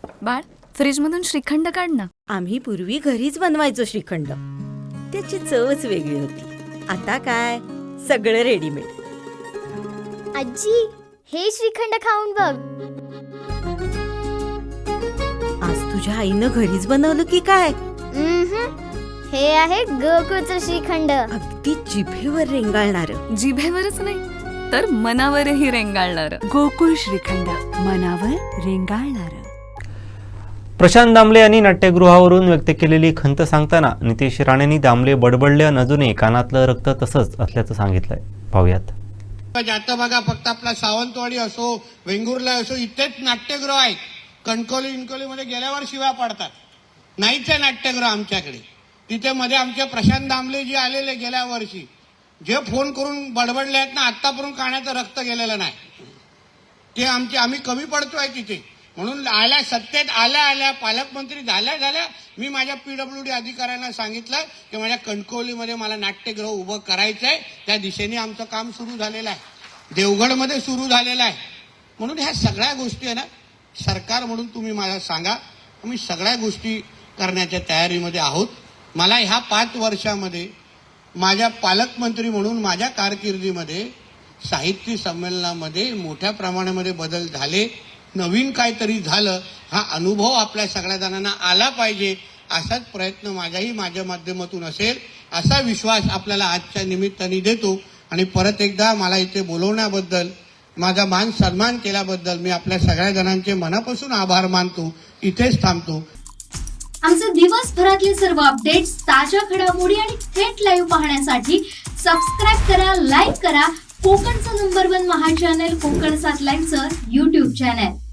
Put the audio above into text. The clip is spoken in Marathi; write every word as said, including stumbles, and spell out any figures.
बाळ, फ्रीजमधून श्रीखंड काढ ना. आम्ही पूर्वी घरीच बनवायचो श्रीखंड. त्याची चवच वेगळी होती. आता काय सगळं रेडीमेड. आजी, हे श्रीखंड खाऊन बघ. आज तुझ्या आईनं घरीच बनवलं की काय? उम्हम. हे आहे गोकुळचं श्रीखंड. अगदी जिभेवर रेंगाळणार. जिभेवरच नाही तर मनावरही रेंगाळणार. गोकुळ श्रीखंड, मनावर रेंगाळणार. प्रशांत दामले यांनी नाट्यगृहावरून व्यक्त केलेली खंत सांगताना नितेश राणेंनी दामले बडबडले अजूनही कानातलं रक्त तसंच असल्याचं सांगितलंय. पाहूयात. जातं बघा, फक्त आपला सावंतवाडी असो, वेंगुर्ला असो, इथेच नाट्यगृह आहेत. कणकवली विणकवलीमध्ये गेल्यावर शिव्या पडतात. नाहीच आहे नाट्यगृह आमच्याकडे. तिथे मध्ये आमचे प्रशांत दामले जे आलेले गेल्या वर्षी, जे फोन करून बडबडले आहेत ना, आतापर्यंत कानाचं रक्त गेलेलं नाही. ते आमचे आम्ही कमी पडतोय तिथे. म्हणून आल्या सत्तेत आल्या आल्या पालकमंत्री झाल्या झाल्या मी माझ्या पीडब्ल्यूडी अधिकाऱ्यांना सांगितलं की माझ्या कणकवलीमध्ये मला नाट्यगृह उभं करायचं आहे. त्या दिशेने आमचं काम सुरू झालेलं आहे. देवगडमध्ये सुरू झालेलं आहे. म्हणून ह्या सगळ्या गोष्टी आहे ना, सरकार म्हणून तुम्ही मला सांगा, आम्ही सगळ्या गोष्टी करण्याच्या तयारीमध्ये आहोत. मला ह्या पाच वर्षामध्ये माझ्या पालकमंत्री म्हणून माझ्या कारकिर्दीमध्ये साहित्य संमेलनामध्ये मोठ्या प्रमाणामध्ये बदल झाले. नवीन काहीतरी झालं, हा अनुभव आपल्या सगळ्या जणांना आला पाहिजे. असाच प्रयत्न माझ्याही माझ्या माध्यमातून असेल, असा विश्वास आपल्याला आजच्या निमित्ताने देतो. आणि परत एकदा मला इथे बोलवण्याबद्दल, माझा मान सन्मान केल्याबद्दल मी आपल्या सगळ्या जणांचे मनापासून आभार मानतो. इथेच थांबतो. आमचे दिवसभरातले सर्व अपडेट्स, ताज्या घडामोडी आणि थेट लाईव्ह पाहण्यासाठी सबस्क्राईब करा, लाईक करा कोकणचं नंबर वन महा चॅनल कोकण सात लाईनचं युट्यूब चॅनल.